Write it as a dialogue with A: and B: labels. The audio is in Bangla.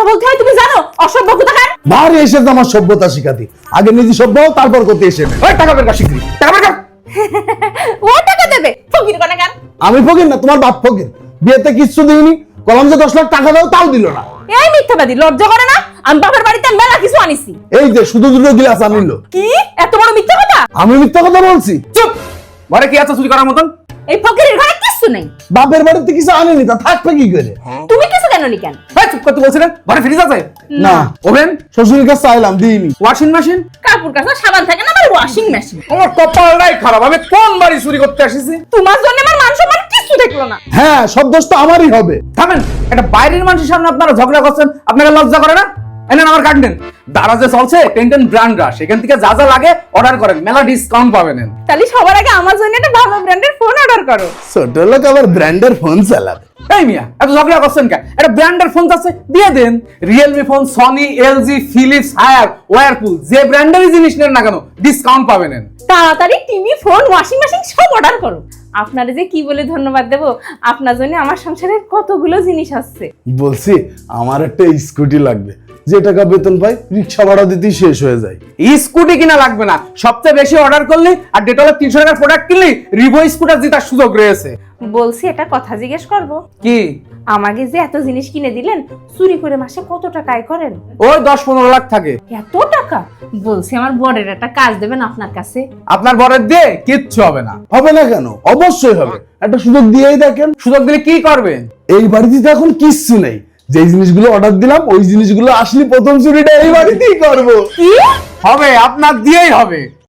A: বলতে হয় তুমি জানো? অসভ্য কোথাকার।
B: বাড়ি এসে তো আমার সভ্যতা শিখাতি, আগে নিজে সভ্য হও, তারপর করতে এসে নে। ওই টাকা বের কর শিগগিরি, টাকা বের কর।
A: ও টাকা দেবে ফকির কোনাকার।
B: আমি ফকির না, তোমার বাপ ফকির। বিয়েতে কিচ্ছু দিইনি, কলম যে 10 লাখ টাকা দাও তাও দিল না।
A: এই মিথ্যাবাদী, লজ্জা করে না? আমি বাপের বাড়িতে মেলা কিছু আনিছি।
B: এই যে শুধু দুটো গিলাস আনিল।
A: কি এত বড় মিথ্যা কথা?
B: আমি মিথ্যা কথা বলছি?
C: চুপ। ঘরে কি আছে চুরি করার মতন?
A: এই ফকিরের ঘরে কিছু নেই।
B: বাপের বাড়িতে কিছু আনিনি, তা থাকবে কি করে?
A: তুমি কিছু কেন নি কেন?
C: এই চুপ করতে বলছিলেন? ঘরে ফ্রিজ আছে?
B: না,
C: ওভেন?
B: শ্বশুরের কাছে চাইলাম, দিইনি।
C: Washing machine?
A: কাপড় কাচা সাবান থাকে না, আমার ওয়াশিং মেশিন।
C: আমার কপালটাই খারাপ, আমি কোন বাড়ি চুরি করতে আসিছি?
A: তোমার জন্য আমার মান সম্মান কিছু দেখলো না।
B: হ্যাঁ, সব দোষ তো আমারই হবে।
C: থামেন, একটা বাইরের মানুষের সামনে আপনারা ঝগড়া করছেন, আপনাকে লজ্জা করে না? এনেন আমার কার্ড নেন। দারাজে চলছে টেন্টেন ব্র্যান্ডরা, সেখান থেকে যা যা লাগে অর্ডার করেন, মেলা ডিসকাউন্ট পাবেন।
A: তাহলে সবার আগে আমার জন্য একটা ভালো ব্র্যান্ডের ফোন অর্ডার করো।
B: ছোট লোক আবার ব্র্যান্ডের ফোন চালাবে।
C: এই মিয়া, এত ঝগড়া করছেন কেন? একটা ব্র্যান্ডের ফোন আছে, দিয়ে দেন। Realme phone, Sony, LG, Philips, Haier, Whirlpool, যে ব্র্যান্ডেরই জিনিস নেন না কেন ডিসকাউন্ট পাবেন।
A: তাড়াতাড়ি টিভি, ফোন, ওয়াশিং মেশিন সব অর্ডার করো। আপনারে যে কি বলে ধন্যবাদ দেব, আপনার জন্য আমার সংসারের কতগুলো জিনিস আছে।
B: বলছি আমার একটা স্কুটি লাগবে, যে টাকা বেতন পাই রিক্সা ভাড়া দিতেই শেষ হয়ে যায়।
C: স্কুটি কিনা লাগবে না, সবচেয়ে বেশি অর্ডার করলে আর ডেটলের 300 টাকার প্রোডাক্ট কিনলে রিভো স্কুটার জেতার সুযোগ রয়েছে।
A: বলছি একটা কথা জিজ্ঞেস করব?
C: কি?
A: আমাকে যে এত জিনিস কিনে দিলেন, চুরি করে মাসে কত টাকা আয় করেন?
C: ওই 10-15 লাখ থাকে।
A: এত টাকা? বলছি আমার বরের একটা কাজ দেবেন আপনার কাছে।
C: আপনার বরের দিয়ে কিচ্ছু হবে না।
B: হবে না কেন? অবশ্যই হবে, একটা সুযোগ দিয়েই দেখেন।
C: সুযোগ দিলে কি করবেন?
B: এই বাড়িতে তো এখন কিচ্ছু নেই, যে জিনিসগুলো অর্ডার দিলাম ওই জিনিসগুলো আসলে প্রথম চুরিটা এই বাড়িতেই করবো।
A: কি
C: হবে, আপনার দিয়েই হবে।